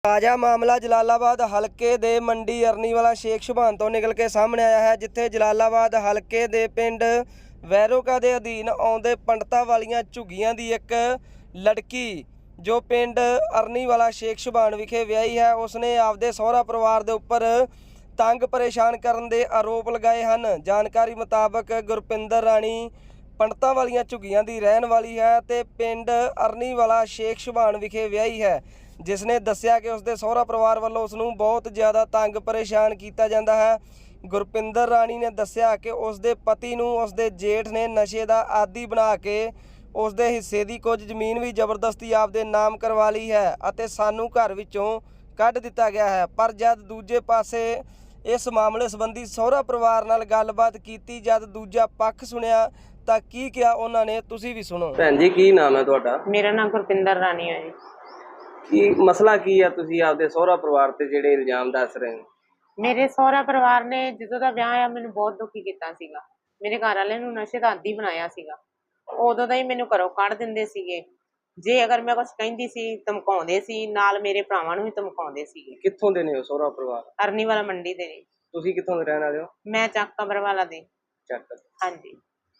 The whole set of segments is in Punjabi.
ਤਾਜ਼ਾ ਮਾਮਲਾ ਜਲਾਲਾਬਾਦ ਹਲਕੇ ਦੇ ਮੰਡੀ ਅਰਨੀਵਾਲਾ ਸ਼ੇਖ ਸੁਭਾਨ ਤੋਂ ਨਿਕਲ ਕੇ ਸਾਹਮਣੇ ਆਇਆ ਹੈ, ਜਿੱਥੇ ਜਲਾਲਾਬਾਦ ਹਲਕੇ ਦੇ ਪਿੰਡ ਵੈਰੋਕਾ ਦੇ ਅਧੀਨ ਆਉਂਦੇ ਪੰਡਤਾਂ ਵਾਲੀਆਂ ਝੁੱਗੀਆਂ ਦੀ ਇੱਕ ਲੜਕੀ ਜੋ ਪਿੰਡ ਅਰਨੀਵਾਲਾ ਸ਼ੇਖ ਸੁਭਾਨ ਵਿਖੇ ਵਿਆਹੀ ਹੈ, ਉਸਨੇ ਆਪਦੇ ਸਹੁਰਾ ਪਰਿਵਾਰ ਦੇ ਉੱਪਰ ਤੰਗ ਪਰੇਸ਼ਾਨ ਕਰਨ ਦੇ ਆਰੋਪ ਲਗਾਏ ਹਨ। ਜਾਣਕਾਰੀ ਮੁਤਾਬਕ ਗੁਰਪਿੰਦਰ ਰਾਣੀ ਪੰਡਤਾਂ ਵਾਲੀਆਂ ਝੁੱਗੀਆਂ ਦੀ ਰਹਿਣ ਵਾਲੀ ਹੈ ਤੇ ਪਿੰਡ ਅਰਨੀਵਾਲਾ ਸ਼ੇਖ ਸੁਭਾਨ ਵਿਖੇ ਵਿਆਹੀ ਹੈ, ਜਿਸ ਨੇ ਦੱਸਿਆ ਕਿ ਉਸਦੇ ਸਹੁਰਾ ਪਰਿਵਾਰ ਵੱਲੋਂ ਉਸ ਨੂੰ ਬਹੁਤ ਜ਼ਿਆਦਾ ਤੰਗ ਪਰੇਸ਼ਾਨ ਕੀਤਾ ਜਾਂਦਾ ਹੈ। ਗੁਰਪਿੰਦਰ ਰਾਣੀ ਨੇ ਦੱਸਿਆ ਕਿ ਉਸਦੇ ਪਤੀ ਨੂੰ ਉਸਦੇ ਜੇਠ ਨੇ ਨਸ਼ੇ ਦਾ ਆਦੀ ਬਣਾ ਕੇ ਉਸਦੇ ਹਿੱਸੇ ਦੀ ਕੁਝ ਜ਼ਮੀਨ ਵੀ ਜ਼ਬਰਦਸਤੀ ਆਪਦੇ ਨਾਮ ਕਰਵਾ ਲਈ ਹੈ ਅਤੇ ਸਾਨੂੰ ਘਰ ਵਿੱਚੋਂ ਕੱਢ ਦਿੱਤਾ ਗਿਆ ਹੈ। ਪਰ ਜਦ ਦੂਜੇ ਪਾਸੇ ਇਸ ਮਾਮਲੇ ਸੰਬੰਧੀ ਸਹੁਰਾ ਪਰਿਵਾਰ ਨਾਲ ਗੱਲਬਾਤ ਕੀਤੀ, ਜਦ ਦੂਜਾ ਪੱਖ ਸੁਣਿਆ ਤਾਂ ਕੀ ਕਿਹਾ ਉਹਨਾਂ ਨੇ, ਤੁਸੀਂ ਵੀ ਸੁਣੋ। ਭੈਣ ਜੀ, ਕੀ ਨਾਮ ਹੈ ਤੁਹਾਡਾ? ਮੇਰਾ ਨਾਮ ਗੁਰਪਿੰਦਰ ਰਾਣੀ ਹੈ ਜੀ। ਕੀ ਮਸਲਾ ਕੀ ਆ? ਤੁਸੀਂ ਆਪਦੇ ਸਹੁਰਾ ਪਰਿਵਾਰ ਤੇ ਜਿਹੜੇ ਇਲਜ਼ਾਮ ਦੱਸ ਰਹੇ ਹੋ? ਮੇਰੇ ਸਹੁਰਾ ਪਰਿਵਾਰ ਨੇ ਜਦੋਂ ਦਾ ਵਿਆਹ ਆ ਮੈਨੂੰ ਬਹੁਤ ਦੁਖੀ ਕੀਤਾ ਸੀਗਾ। ਮੇਰੇ ਘਰ ਵਾਲੇ ਨੂੰ ਨਸ਼ੇ ਦਾ ਆਦੀ ਬਣਾਇਆ ਸੀਗਾ। ਉਦੋਂ ਦਾ ਹੀ ਮੈਨੂੰ ਘਰੋਂ ਕੱਢ ਦਿੰਦੇ ਸੀਗੇ। ਜੇ ਅਗਰ ਮੈਂ ਕੁਝ ਕਹਿੰਦੀ ਸੀ ਧਮਕਾਉਂਦੇ ਸੀ, ਨਾਲ ਮੇਰੇ ਭਰਾਵਾਂ ਨੂੰ ਵੀ ਧਮਕਾਉਂਦੇ ਸੀਗੇ। ਕਿੱਥੋਂ ਦੇ ਨੇ ਉਹ ਸਹੁਰਾ ਪਰਿਵਾਰ? ਅਰਨੀਵਾਲਾ ਮੰਡੀ ਦੇ ਨੇ। ਤੁਸੀਂ ਕਿੱਥੋਂ ਦੇ ਰਹਿਣ ਵਾਲੇ ਹੋ? ਮੈਂ ਚੱਕ ਕਬਰਵਾਲਾ ਦੇ। ਚੱਕ। ਹਾਂਜੀ।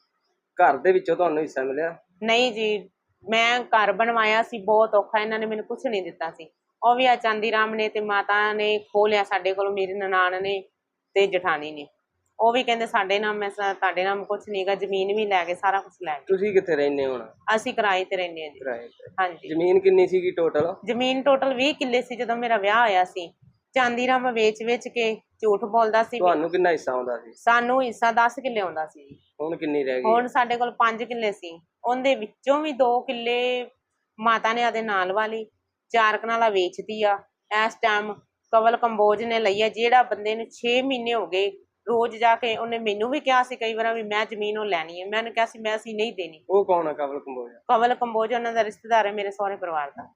ਘਰ ਦੇ ਵਿੱਚੋਂ ਤੁਹਾਨੂੰ ਹਿੱਸਾ ਮਿਲਿਆ? ਨਹੀਂ ਜੀ, ਮੈਂ ਘਰ ਬਣਵਾਇਆ ਸੀ, ਬਹੁਤ ਔਖਾ, ਇਹਨਾਂ ਨੇ ਮੈਨੂੰ ਕੁਝ ਨਹੀਂ ਦਿੱਤਾ ਸੀ। ਉਹ ਵੀ ਆ ਚਾਂਦੀ ਰਾਮ ਨੇ ਤੇ ਮਾਤਾ ਨੇ ਖੋਹ ਲਿਆ ਸਾਡੇ ਕੋਲੋਂ, ਮੇਰੀ ਨਨਾਣ ਨੇ ਤੇ ਜਠਾਣੀ ਨੇ। ਉਹ ਵੀ ਕਹਿੰਦੇ ਸਾਡੇ ਨਾਮ, ਮੈਂ ਤੁਹਾਡੇ ਨਾਮ ਕੁਝ ਨਹੀਂਗਾ, ਜ਼ਮੀਨ ਵੀ ਲੈ ਗਏ, ਸਾਰਾ ਕੁਝ ਲੈ ਗਏ। ਤੁਸੀਂ ਕਿੱਥੇ ਰਹਿੰਦੇ ਹੋ ਹੁਣ? ਅਸੀਂ ਕਿਰਾਏ ਤੇ ਰਹਿੰਦੇ ਹਾਂ ਜੀ। ਕਿਰਾਏ ਤੇ? ਹਾਂਜੀ। ਜ਼ਮੀਨ ਕਿੰਨੀ ਸੀਗੀ ਟੋਟਲ? ਜ਼ਮੀਨ ਟੋਟਲ 20 ਕਿੱਲੇ ਸੀ ਜਦੋਂ ਮੇਰਾ ਵਿਆਹ ਹੋਇਆ ਸੀ। ਚਾਂਦੀ ਰਾਮ ਵੇਚ ਕੇ ਝੂਠ ਬੋਲਦਾ ਸੀ। ਤੁਹਾਨੂੰ ਕਿੰਨਾ ਹਿੱਸਾ ਆਉਂਦਾ ਸੀ? ਸਾਨੂੰ ਹਿੱਸਾ 10 ਕਿੱਲੇ ਆਉਂਦਾ ਸੀ ਜੀ। ਹੁਣ ਕਿੰਨੀ ਰਹਿ ਗਈ? ਹੁਣ ਸਾਡੇ ਕੋਲ 5 ਕਿੱਲੇ ਸੀ। ਉਹਦੇ ਵਿੱਚੋਂ ਵੀ 2 ਕਿੱਲੇ ਮਾਤਾ ਨੇ ਆਦੇ ਨਾਲ ਵਾਲੀ, 4 ਕਨਾਲਾਂ ਵੇਚਦੀ ਆ। ਇਸ ਟਾਈਮ ਕਵਲ ਕੰਬੋਜ ਨੇ ਲਈ ਆ, ਜਿਹੜਾ ਬੰਦੇ ਨੂੰ 6 ਮਹੀਨੇ ਹੋ ਗਏ ਰੋਜ਼ ਜਾ ਕੇ। ਉਹਨੇ ਮੈਨੂੰ ਵੀ ਕਿਹਾ ਸੀ ਕਈ ਵਾਰ ਵੀ ਮੈਂ ਜ਼ਮੀਨ ਉਹ ਲੈਣੀ ਹੈ। ਮੈਂ ਕਿਹਾ ਸੀ ਮੈਂ ਅਸੀਂ ਨਹੀਂ ਦੇਣੀ। ਉਹ ਕੌਣ ਹੈ ਕਵਲ ਕੰਬੋਜ? ਕਵਲ ਕੰਬੋਜ ਉਹਨਾਂ ਦਾ ਰਿਸ਼ਤੇਦਾਰ ਹੈ ਮੇਰੇ ਸਹੁਰੇ ਪਰਿਵਾਰ ਦਾ।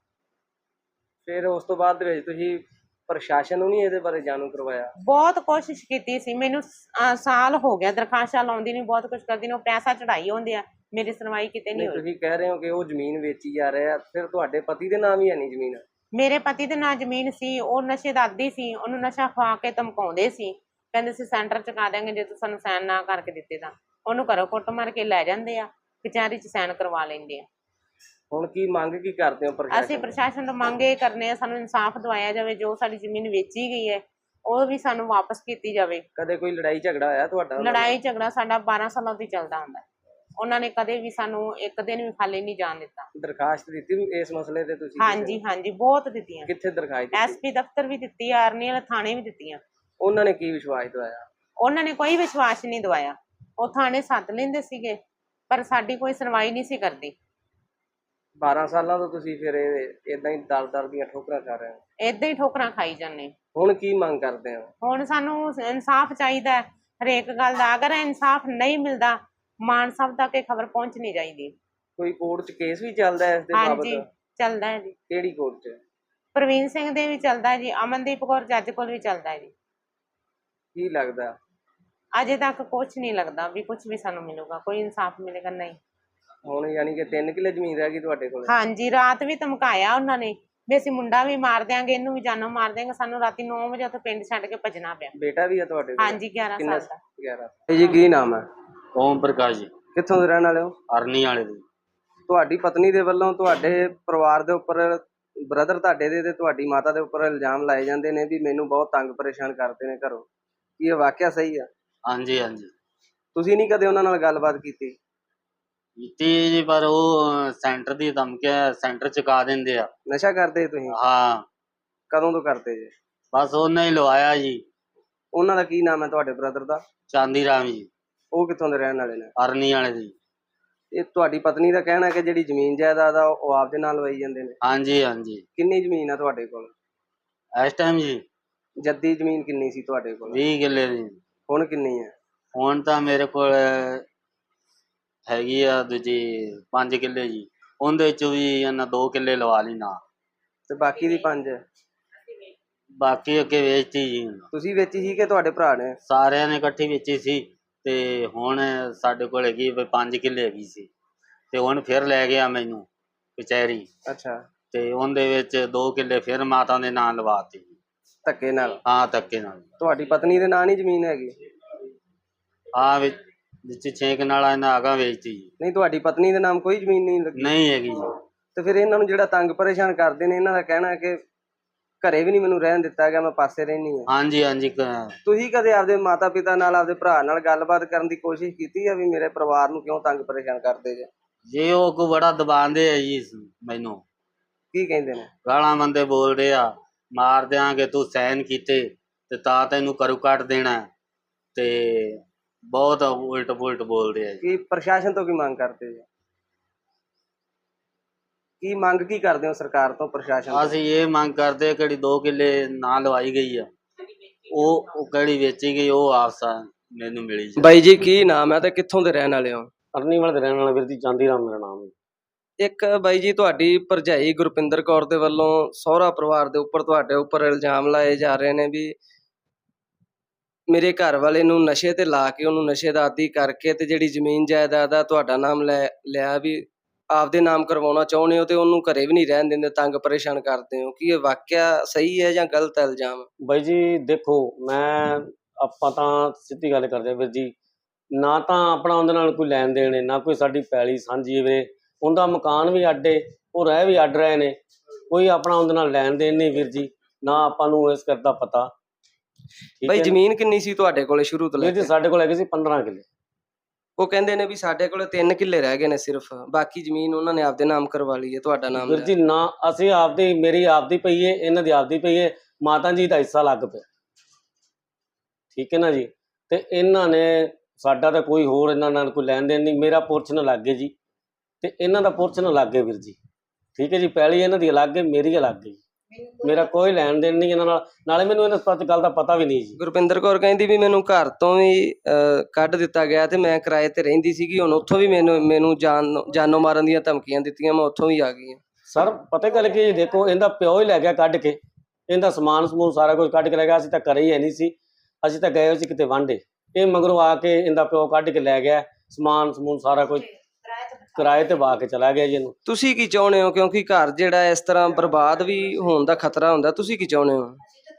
ਫਿਰ ਉਸ ਤੋਂ ਬਾਅਦ ਦੇ ਵਿੱਚ ਤੁਸੀਂ ਪ੍ਰਸ਼ਾਸਨ ਨੂੰ ਨਹੀਂ ਇਹਦੇ ਬਾਰੇ ਜਾਣੂ ਕਰਵਾਇਆ? ਬਹੁਤ ਕੋਸ਼ਿਸ਼ ਕੀਤੀ ਸੀ, ਮੈਨੂੰ ਸਾਲ ਹੋ ਗਿਆ ਦਰਖਾਸਤਾਂ ਲਾਉਂਦੀ ਨਹੀਂ, ਬਹੁਤ ਕੁਝ ਕਰਦੀ ਨਹੀਂ, ਉਹ ਪੈਸਾ ਚੜਾਈ ਹੁੰਦੇ ਆ, ਮੇਰੀ ਸੁਣਵਾਈ ਕਿਤੇ ਨਹੀਂ ਹੋਈ। ਤੁਸੀਂ ਕਹਿ ਰਹੇ ਹੋ ਕਿ ਉਹ ਜ਼ਮੀਨ ਵੇਚੀ ਜਾ ਰਿਹਾ, ਫਿਰ ਤੁਹਾਡੇ ਪਤੀ ਦੇ ਨਾਮ ਹੀ ਹੈ ਨਹੀਂ ਜ਼ਮੀਨ? ਮੇਰੇ ਪਤੀ ਦੇ ਨਾਂ ਜ਼ਮੀਨ ਸੀ। ਉਹ ਨਸ਼ੇ ਦਾ ਆਦੀ ਸੀ, ਉਹਨੂੰ ਨਸ਼ਾ ਖਵਾ ਕੇ ਧਮਕਾਉਂਦੇ ਸੀ, ਕਹਿੰਦੇ ਸੀ ਸੈਂਟਰ ਚੁਕਾ ਦਿਆਂਗੇ ਜੇ ਤੂੰ ਸਾਨੂੰ ਸਾਈਨ ਨਾ ਕਰਕੇ ਦਿੱਤੇ ਤਾਂ। ਉਹਨੂੰ ਘਰੋਂ ਕੁੱਟ ਮਾਰ ਕੇ ਲੈ ਜਾਂਦੇ ਆ, ਕਚਹਿਰੀ 'ਚ ਸਾਈਨ ਕਰਵਾ ਲੈਂਦੇ ਆ। ਹੁਣ ਕੀ ਮੰਗ ਕੀ ਕਰਦੇ ਹੋ ਪ੍ਰਸ਼ਾਸਨ? ਅਸੀਂ ਪ੍ਰਸ਼ਾਸਨ ਤੋਂ ਮੰਗ ਇਹ ਕਰਨੇ ਆ, ਸਾਨੂੰ ਇਨਸਾਫ ਦਿਵਾਇਆ ਜਾਵੇ। ਜੋ ਸਾਡੀ ਜ਼ਮੀਨ ਵੇਚੀ ਗਈ ਹੈ ਉਹ ਵੀ ਸਾਨੂੰ ਵਾਪਸ ਕੀਤੀ ਜਾਵੇ। ਕਦੇ ਕੋਈ ਲੜਾਈ ਝਗੜਾ ਹੋਇਆ ਤੁਹਾਡਾ? ਲੜਾਈ ਝਗੜਾ ਸਾਡਾ 12 ਸਾਲਾਂ ਤੋਂ ਚੱਲਦਾ ਹੁੰਦਾ। ਉਹਨਾਂ ਨੇ ਕਦੇ ਵੀ ਸਾਨੂੰ ਇੱਕ ਦਿਨ ਵੀ ਖਾਲੀ ਨਹੀਂ ਜਾਣ ਦਿੱਤਾ। ਦਰਖਾਸਤ ਦਿੱਤੀ ਇਸ ਮਸਲੇ ਤੇ ਤੁਸੀਂ? ਹਾਂਜੀ ਹਾਂਜੀ, ਬਹੁਤ ਦਿੱਤੀਆਂ। ਕਿੱਥੇ ਦਰਖਾਸਤ ਦਿੱਤੀ? SP ਦਫ਼ਤਰ ਵੀ ਦਿੱਤੀ ਆ, ਅਰਨੀ ਵਾਲੇ ਥਾਣੇ ਵੀ ਦਿੱਤੀਆਂ। ਉਹਨਾਂ ਨੇ ਕੀ ਵਿਸ਼ਵਾਸ ਦਵਾਇਆ? ਉਹਨਾਂ ਨੇ ਕੋਈ ਵਿਸ਼ਵਾਸ ਨਹੀਂ ਦਵਾਇਆ। ਉਹ ਥਾਣੇ ਸੱਦ ਲੈਂਦੇ ਸੀਗੇ ਪਰ ਸਾਡੀ ਕੋਈ ਸੁਣਵਾਈ ਨਹੀਂ ਸੀ ਕਰਦੀ। 12 ਸਾਲਾਂ ਤੋਂ ਤੁਸੀਂ ਫਿਰ ਇਦਾਂ ਹੀ ਦਰ ਦੀਆਂ ਠੋਕਰਾਂ ਖਾ ਰਹੇ ਹੋ? ਏਦਾਂ ਹੀ ਠੋਕਰਾਂ ਖਾਈ ਜਾਂਦੇ। ਹੁਣ ਕੀ ਮੰਗ ਕਰਦੇ ਹੋ? ਹੁਣ ਸਾਨੂੰ ਇਨਸਾਫ ਚਾਹੀਦਾ ਹਰੇਕ ਗੱਲ ਦਾ। ਅਗਰ ਇਨਸਾਫ ਨਹੀਂ ਮਿਲਦਾ, ਮਾਨ ਸਾਹਿਬ ਤੱਕ ਇਹ ਖਬਰ ਪਹੁੰਚਣੀ ਚਾਹੀਦੀ। ਕੋਈ ਕੋਰਟ 'ਚ ਕੇਸ ਵੀ ਚੱਲਦਾ ਹੈ ਇਸ ਦੇ ਬਾਬਤ? ਹਾਂਜੀ, ਚੱਲਦਾ ਹੈ ਜੀ। ਕਿਹੜੀ ਕੋਰਟ 'ਚ? ਪ੍ਰਵੀਨ ਸਿੰਘ ਦੇ ਵੀ ਚੱਲਦਾ ਹੈ ਜੀ, ਅਮਨਦੀਪ ਕੌਰ ਜੱਜ ਕੋਲ ਵੀ ਚੱਲਦਾ ਹੈ ਜੀ। ਕੀ ਲੱਗਦਾ? ਅਜੇ ਤੱਕ ਕੁਝ ਨਹੀਂ ਲੱਗਦਾ ਵੀ ਕੁਝ ਵੀ ਸਾਨੂੰ ਮਿਲੂਗਾ, ਕੋਈ ਇਨਸਾਫ ਮਿਲੇਗਾ ਨਹੀਂ। ਹੁਣ ਯਾਨੀ ਕਿ 3 ਕਿੱਲੇ ਜ਼ਮੀਨ ਰਹਿ ਗਈ ਤੁਹਾਡੇ ਕੋਲ? ਹਾਂਜੀ, ਰਾਤ ਵੀ ਧਮਕਾਇਆ ਉਹਨਾਂ ਨੇ ਵੀ ਅਸੀਂ ਮੁੰਡਾ ਵੀ ਮਾਰ ਦਿਆਂਗੇ, ਇਹਨੂੰ ਵੀ ਜਾਨੋਂ ਮਾਰ ਦਿਆਂਗੇ। ਸਾਨੂੰ ਰਾਤੀ 9 ਵਜੇ ਉੱਥੇ ਪਿੰਡ ਛੱਡ ਕੇ ਭੱਜਣਾ ਪਿਆ। ਬੇਟਾ ਵੀ ਹੈ ਤੁਹਾਡੇ ਕੋਲ? ਹਾਂਜੀ, 11 ਸਾਲ ਦਾ। 11 ਜੀ। ਕੀ ਨਾਮ ਹੈ? ਓਮ ਪ੍ਰਕਾਸ਼ ਜੀ। ਕਿੱਥੋਂ ਦੇ ਰਹਿਣ ਵਾਲੇ ਹੋ? ਅਰਨੀ ਵਾਲੇ ਦੀ। ਤੁਹਾਡੀ ਪਤਨੀ ਦੇ ਵੱਲੋਂ ਤੁਹਾਡੇ ਪਰਿਵਾਰ ਦੇ ਉੱਪਰ, ਬ੍ਰਦਰ ਤੁਹਾਡੇ ਦੇ ਤੇ ਤੁਹਾਡੀ ਮਾਤਾ ਦੇ ਉੱਪਰ ਇਲਜ਼ਾਮ ਲਾਏ ਜਾਂਦੇ ਨੇ ਵੀ ਮੈਨੂੰ ਬਹੁਤ ਤੰਗ ਪਰੇਸ਼ਾਨ ਕਰਦੇ ਨੇ ਘਰੋਂ। ਕੀ ਇਹ ਵਾਕਿਆ ਸਹੀ ਆ? ਹਾਂਜੀ ਹਾਂਜੀ। ਤੁਸੀਂ ਨਹੀਂ ਕਦੇ ਉਹਨਾਂ ਨਾਲ ਗੱਲਬਾਤ ਕੀਤੀ? ਕੀਤੀ ਜੀ, ਪਰ ਉਹ ਸੈਂਟਰ ਦੀ ਧਮਕੀਆਂ, ਸੈਂਟਰ ਚੁਕਾ ਦਿੰਦੇ ਆ। ਨਸ਼ਾ ਕਰਦੇ ਤੁਸੀਂ? ਹਾਂ। ਕਦੋਂ ਤੋਂ ਕਰਦੇ ਜੀ? ਬਸ ਉਹਨੇ ਹੀ ਲਵਾਇਆ ਜੀ। ਉਹਨਾਂ ਦਾ ਕੀ ਨਾਮ ਹੈ ਤੁਹਾਡੇ ਬ੍ਰਦਰ ਦਾ? ਚਾਂਦੀ ਰਾਮ ਜੀ। ਉਹ ਕਿੱਥੋਂ ਦੇ ਰਹਿਣ ਵਾਲੇ ਨੇ? ਅਰਨੀ ਵਾਲੇ ਦੀ। ਇਹ ਤੁਹਾਡੀ ਪਤਨੀ ਦਾ ਕਹਿਣਾ ਕਿ ਜਿਹੜੀ ਜ਼ਮੀਨ ਜਾਇਦਾਦ ਆ ਉਹ ਆਪਦੇ ਨਾਲ ਲਵਾਈ ਜਾਂਦੇ ਨੇ? ਹਾਂਜੀ ਹਾਂਜੀ। ਕਿੰਨੀ ਜ਼ਮੀਨ ਆ ਤੁਹਾਡੇ ਕੋਲ ਇਸ ਟਾਈਮ ਜੀ? ਜੱਦੀ ਜ਼ਮੀਨ ਕਿੰਨੀ ਸੀ ਤੁਹਾਡੇ ਕੋਲ? 20 ਕਿੱਲੇ ਦੀ। ਹੁਣ ਕਿੰਨੀ ਹੈ? ਹੁਣ ਤਾਂ ਮੇਰੇ ਕੋਲ ਹੈਗੀ ਆ ਦੂਜੀ 5 ਕਿੱਲੇ ਜੀ। ਉਹਦੇ ਚੋਂ ਵੀ ਇਹਨਾਂ 2 ਕਿੱਲੇ ਲਵਾ ਲਈ ਨਾ, ਤੇ ਬਾਕੀ ਦੀ 5? ਬਾਕੀ ਅੱਗੇ ਵੇਚਤੀ ਜੀ। ਤੁਸੀਂ ਵੇਚੀ ਸੀ ਕਿ ਤੁਹਾਡੇ ਭਰਾ ਨੇ? ਸਾਰਿਆਂ ਨੇ ਇਕੱਠੀ ਵੇਚੀ ਸੀ ਤੇ ਹੁਣ ਸਾਡੇ ਕੋਲ ਹੈਗੀ 5 ਕਿੱਲੇ ਹੈਗੀ ਸੀ ਤੇ ਹੁਣ ਫਿਰ ਲੈ ਗਿਆ ਮੈਨੂੰ ਕਚਹਿਰੀ। ਅੱਛਾ। ਤੇ ਉਹਦੇ ਵਿੱਚ 2 ਕਿੱਲੇ ਫਿਰ ਮਾਤਾ ਦੇ ਨਾਂ ਲਵਾਤੀ। ਧੱਕੇ ਨਾਲ? ਹਾਂ, ਧੱਕੇ ਨਾਲ। ਤੁਹਾਡੀ ਪਤਨੀ ਦੇ ਨਾਂ ਨਹੀਂ ਜ਼ਮੀਨ ਹੈਗੀ? ਹਾਂ, ਵਿੱਚ 6 ਕਨਾਲਾਂ ਇਹਨਾਂ ਅਗਾਂਹ ਵੇਚਤੀ ਜੀ। ਨਹੀਂ, ਤੁਹਾਡੀ ਪਤਨੀ ਦੇ ਨਾਮ ਕੋਈ ਜ਼ਮੀਨ ਨਹੀਂ ਲੱਗੀ? ਨਹੀਂ ਹੈਗੀ ਜੀ। ਤੇ ਫਿਰ ਇਹਨਾਂ ਨੂੰ ਜਿਹੜਾ ਤੰਗ ਪਰੇਸ਼ਾਨ ਕਰਦੇ ਨੇ, ਇਹਨਾਂ ਦਾ ਕਹਿਣਾ ਹੈ ਕਿ ਘਰੇ ਵੀ ਨਹੀਂ ਮੈਨੂੰ ਰਹਿਣ ਦਿੱਤਾ ਗਿਆ, ਮੈਂ ਪਾਸੇ ਰਹਿਣੀ ਆ। ਹਾਂਜੀ ਹਾਂਜੀ। ਤੁਸੀਂ ਕਦੇ ਆਪਦੇ ਮਾਤਾ ਪਿਤਾ ਨਾਲ, ਆਪਦੇ ਭਰਾ ਨਾਲ ਗੱਲਬਾਤ ਕਰਨ ਦੀ ਕੋਸ਼ਿਸ਼ ਕੀਤੀ ਹੈ ਵੀ ਮੇਰੇ ਪਰਿਵਾਰ ਨੂੰ ਕਿਉਂ ਤੰਗ ਪਰੇਸ਼ਾਨ ਕਰਦੇ ਜੇ? ਜੇ ਉਹ ਕੋ ਬੜਾ ਦਬਾਉਂਦੇ ਆ ਜੀ ਮੈਨੂੰ। ਕੀ ਕਹਿੰਦੇ ਨੇ? ਗਾਲਾਂ ਬੰਦੇ ਬੋਲਦੇ ਆ, ਮਾਰ ਦਿਆਂਗੇ, ਤੂੰ ਸਾਈਨ ਕੀਤੇ ਤੇ ਤਾਂ ਤੈਨੂੰ ਕਰੂ ਕੱਟ ਦੇਣਾ, ਤੇ ਬਹੁਤ ਉਲਟ ਪੁਲਟ ਬੋਲਦੇ ਆ ਜੀ। ਕੀ ਪ੍ਰਸ਼ਾਸਨ ਤੋਂ ਕੀ ਮੰਗ ਕਰਦੇ ਜੀ? ਕੀ ਮੰਗ ਕੀ ਕਰਦੇ ਹੋ ਸਰਕਾਰ ਤੋਂ, ਪ੍ਰਸ਼ਾਸਨ ਤੋਂ? ਅਸੀਂ ਇਹ ਮੰਗ ਕਰਦੇ ਕਿਹੜੀ 2 ਕਿੱਲੇ ਨਾ ਲਵਾਈ ਗਈ ਆ, ਉਹ ਕਿਹੜੀ ਵੇਚੀ ਗਈ, ਉਹ ਆਪਸ ਮੈਨੂੰ ਮਿਲੀ ਜੀ। ਬਾਈ ਜੀ, ਕੀ ਨਾਮ ਹੈ ਤੇ ਕਿੱਥੋਂ ਦੇ ਰਹਿਣ ਵਾਲੇ ਹੋ? ਅਰਨੀਵਾਲ ਦੇ ਰਹਿਣ ਵਾਲਾ ਵੀਰ ਜੀ, ਚਾਂਦੀ ਰਾਮ ਮੇਰਾ ਨਾਮ ਹੈ। ਇੱਕ ਬਾਈ ਜੀ, ਤੁਹਾਡੀ ਭਰਜਾਈ ਗੁਰਪਿੰਦਰ ਕੌਰ ਦੇ ਵੱਲੋਂ ਸਹੁਰਾ ਪਰਿਵਾਰ ਦੇ ਉੱਪਰ ਤੁਹਾਡੇ ਉੱਪਰ ਇਲਜ਼ਾਮ ਲਾਏ ਜਾ ਰਹੇ ਨੇ ਵੀ ਮੇਰੇ ਘਰ ਵਾਲੇ ਨੂੰ ਨਸ਼ੇ ਤੇ ਲਾ ਕੇ, ਉਹਨੂੰ ਨਸ਼ੇ ਦਾ ਆਦੀ ਕਰਕੇ ਤੇ ਜਿਹੜੀ ਜ਼ਮੀਨ ਜਾਇਦਾਦ ਆ ਤੁਹਾਡਾ ਨਾਮ ਲਿਆ ਵੀ ਆਪਦੇ ਨਾਮ ਕਰਵਾਉਣਾ ਚਾਹੁੰਦੇ ਹੋ, ਤੇ ਉਹਨੂੰ ਘਰੇ ਵੀ ਨਹੀਂ ਰਹਿਣ ਦਿੰਦੇ, ਤੰਗ ਪਰੇਸ਼ਾਨ ਕਰਦੇ ਹੋ। ਕੀ ਇਹ ਵਾਕਿਆ ਸਹੀ ਹੈ ਜਾਂ ਗਲਤ ਹੈ ਇਲਜ਼ਾਮ? ਬਾਈ ਜੀ ਦੇਖੋ, ਆਪਾਂ ਤਾਂ ਸਿੱਧੀ ਗੱਲ ਕਰਦੇ ਹਾਂ ਵੀਰ ਜੀ, ਨਾ ਤਾਂ ਆਪਣਾ ਉਹਦੇ ਨਾਲ ਕੋਈ ਲੈਣ ਦੇਣ ਹੈ, ਨਾ ਕੋਈ ਸਾਡੀ ਪੈਲੀ ਸਾਂਝੀ ਵੀਰੇ। ਉਹਦਾ ਮਕਾਨ ਵੀ ਅੱਡ ਏ, ਉਹ ਰਹਿ ਵੀ ਅੱਡ ਰਹੇ ਨੇ, ਕੋਈ ਆਪਣਾ ਉਹਦੇ ਨਾਲ ਲੈਣ ਦੇਣ ਨਹੀਂ ਵੀਰ ਜੀ, ਨਾ ਆਪਾਂ ਨੂੰ ਇਸ ਕਰਦਾ ਪਤਾ। ਬਾਈ ਜ਼ਮੀਨ ਕਿੰਨੀ ਸੀ ਤੁਹਾਡੇ ਕੋਲੇ ਸ਼ੁਰੂ ਤੋਂ ਲੈ ਵੀਰ ਜੀ ਕੇ? ਸਾਡੇ ਕੋਲ ਹੈਗੇ ਸੀ 15 ਕਿੱਲੇ। ਉਹ ਕਹਿੰਦੇ ਨੇ ਵੀ ਸਾਡੇ ਕੋਲੇ 3 ਕਿੱਲੇ ਰਹਿ ਗਏ ਨੇ ਸਿਰਫ, ਬਾਕੀ ਜ਼ਮੀਨ ਉਹਨਾਂ ਨੇ ਆਪਦੇ ਨਾਮ ਕਰਵਾ ਲਈ ਹੈ, ਤੁਹਾਡਾ ਨਾਮ ਵੀਰ ਜੀ ਨਾ, ਅਸੀਂ ਆਪਦੀ, ਮੇਰੀ ਆਪਦੀ ਪਈ ਏ, ਇਹਨਾਂ ਦੀ ਆਪਦੀ ਪਈ ਏ, ਮਾਤਾ ਜੀ ਦਾ ਹਿੱਸਾ ਲੱਗ ਪਿਆ, ਠੀਕ ਹੈ ਨਾ ਜੀ। ਤੇ ਇਹਨਾਂ ਨੇ ਸਾਡਾ ਤਾਂ ਕੋਈ ਹੋਰ ਇਹਨਾਂ ਨਾਲ ਕੋਈ ਲੈਣ ਦੇਣ ਨਹੀਂ, ਮੇਰਾ ਪੋਰਸ਼ਨ ਲੱਗ ਗਏ ਜੀ, ਤੇ ਇਹਨਾਂ ਦਾ ਪੋਰਸ਼ਨ ਲੱਗ ਗਏ ਵੀਰ ਜੀ, ਠੀਕ ਹੈ ਜੀ। ਪੈਲੀ ਇਹਨਾਂ ਦੀ ਅਲੱਗ ਹੈ, ਮੇਰੀ ਅਲੱਗ ਹੈ, ਮੇਰਾ ਕੋਈ ਲੈਣ ਦੇਣ ਨਹੀਂ ਇਹਨਾਂ ਨਾਲ, ਨਾਲੇ ਮੈਨੂੰ ਇਹਨਾਂ ਗੱਲ ਦਾ ਪਤਾ ਵੀ ਨਹੀਂ ਜੀ। ਗੁਰਪਿੰਦਰ ਕੌਰ ਕਹਿੰਦੀ ਵੀ ਮੈਨੂੰ ਘਰ ਤੋਂ ਵੀ ਕੱਢ ਦਿੱਤਾ ਗਿਆ ਤੇ ਮੈਂ ਕਿਰਾਏ ਤੇ ਰਹਿੰਦੀ ਸੀਗੀ, ਹੁਣ ਉੱਥੋਂ ਵੀ ਮੈਨੂੰ ਜਾਨੋਂ ਮਾਰਨ ਦੀਆਂ ਧਮਕੀਆਂ ਦਿੱਤੀਆਂ, ਮੈਂ ਉੱਥੋਂ ਵੀ ਆ ਗਈ ਹਾਂ। ਸਰ ਪਤਾ ਗੱਲ ਕੀ ਜੀ, ਦੇਖੋ ਇਹਦਾ ਪਿਓ ਹੀ ਲੈ ਗਿਆ ਕੱਢ ਕੇ, ਇਹਦਾ ਸਮਾਨ ਸਮੂਨ ਸਾਰਾ ਕੁਝ ਕੱਢ ਕੇ ਲੈ ਗਿਆ। ਅਸੀਂ ਤਾਂ ਘਰੇ ਹੀ ਹੈ ਨਹੀਂ ਸੀ, ਅਸੀਂ ਤਾਂ ਗਏ ਹੋਏ ਸੀ ਕਿਤੇ ਵਾਂਢੇ, ਇਹ ਮਗਰੋਂ ਆ ਕੇ ਇਹਦਾ ਪਿਓ ਕੱਢ ਕੇ ਲੈ ਗਿਆ ਸਮਾਨ ਸਮੂਨ ਸਾਰਾ ਕੁਝ, ਕਿਰਾਏ ਤੇ ਵਾ ਕੇ ਚਲਾ ਗਿਆ ਜੀ ਇਹਨੂੰ। ਤੁਸੀਂ ਕੀ ਚਾਹੁੰਦੇ ਹੋ? ਕਿਉਂਕਿ ਘਰ ਜਿਹੜਾ ਇਸ ਤਰ੍ਹਾਂ ਬਰਬਾਦ ਵੀ ਹੋਣ ਦਾ ਖਤਰਾ ਹੁੰਦਾ, ਤੁਸੀਂ ਕੀ ਚਾਹੁੰਦੇ ਹੋ?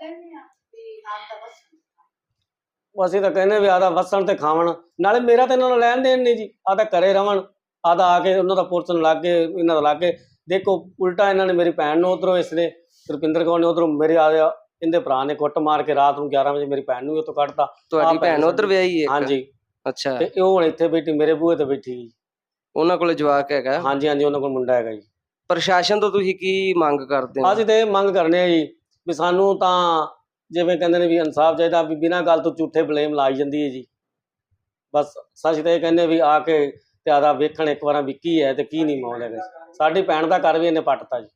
ਅਸੀਂ ਤਾਂ ਕਹਿੰਦੇ ਵੀ ਆਦਾ ਵਸਣ ਤੇ ਖਾਵਣ, ਨਾਲੇ ਮੇਰਾ ਤਾਂ ਇਹਨਾਂ ਨਾਲ ਲੈਣ ਦੇਣ ਨਹੀਂ ਜੀ, ਆਦਾ ਘਰੇ ਰਵਣ, ਆਦਾ ਆ ਕੇ ਉਹਨਾਂ ਦਾ ਪੋਰਸ਼ਨ ਲੱਗ ਕੇ, ਇਹਨਾਂ ਦਾ ਲੱਗ ਕੇ। ਦੇਖੋ ਉਲਟਾ ਇਹਨਾਂ ਨੇ ਮੇਰੀ ਭੈਣ ਨੂੰ ਉਧਰੋਂ, ਇਸ ਨੇ ਰੁਪਿੰਦਰ ਕੌਰ ਨੇ ਉਧਰੋਂ ਮੇਰੇ ਇਹਦੇ ਭਰਾ ਨੇ ਕੁੱਟ ਮਾਰ ਕੇ ਰਾਤ ਨੂੰ 11 ਵਜੇ ਮੇਰੀ ਭੈਣ ਨੂੰ ਉੱਥੋਂ ਕੱਢਤਾ। ਤੁਹਾਡੀ ਭੈਣ ਉਧਰ ਵਿਆਹੀ ਹੈ? ਹਾਂਜੀ। ਅੱਛਾ। ਤੇ ਉਹ ਹੁਣ ਇੱਥੇ ਬੈਠੀ ਮੇਰੇ ਬੂਹੇ ਤੇ ਬੈਠੀ ਜੀ। ਉਹਨਾਂ ਕੋਲੇ ਜਵਾਕ ਹੈਗਾ? ਹਾਂਜੀ ਹਾਂਜੀ, ਉਹਨਾਂ ਕੋਲ ਮੁੰਡਾ ਹੈਗਾ ਜੀ। ਪ੍ਰਸ਼ਾਸਨ ਤੋਂ ਤੁਸੀਂ ਕੀ ਮੰਗ ਕਰਦੇ ਹੋ? ਅਸੀਂ ਤਾਂ ਇਹ ਮੰਗ ਕਰਨੇ ਆ ਜੀ ਵੀ ਸਾਨੂੰ ਤਾਂ ਜਿਵੇਂ ਕਹਿੰਦੇ ਨੇ ਵੀ ਇਨਸਾਫ ਚਾਹੀਦਾ, ਵੀ ਬਿਨਾਂ ਗੱਲ ਤੋਂ ਝੂਠੇ ਬਲੇਮ ਲਾਈ ਜਾਂਦੀ ਹੈ ਜੀ। ਬਸ ਅਸੀਂ ਤਾਂ ਇਹ ਕਹਿੰਦੇ ਵੀ ਆ ਕੇ ਤੇ ਆਦਾ ਵੇਖਣ ਇੱਕ ਵਾਰਾਂ ਵੀ ਕੀ ਹੈ ਤੇ ਕੀ ਨਹੀਂ ਮਾਹੌਲ ਹੈਗਾ। ਸਾਡੀ ਭੈਣ ਦਾ ਘਰ ਵੀ ਇਹਨੇ ਪੱਟਤਾ ਜੀ।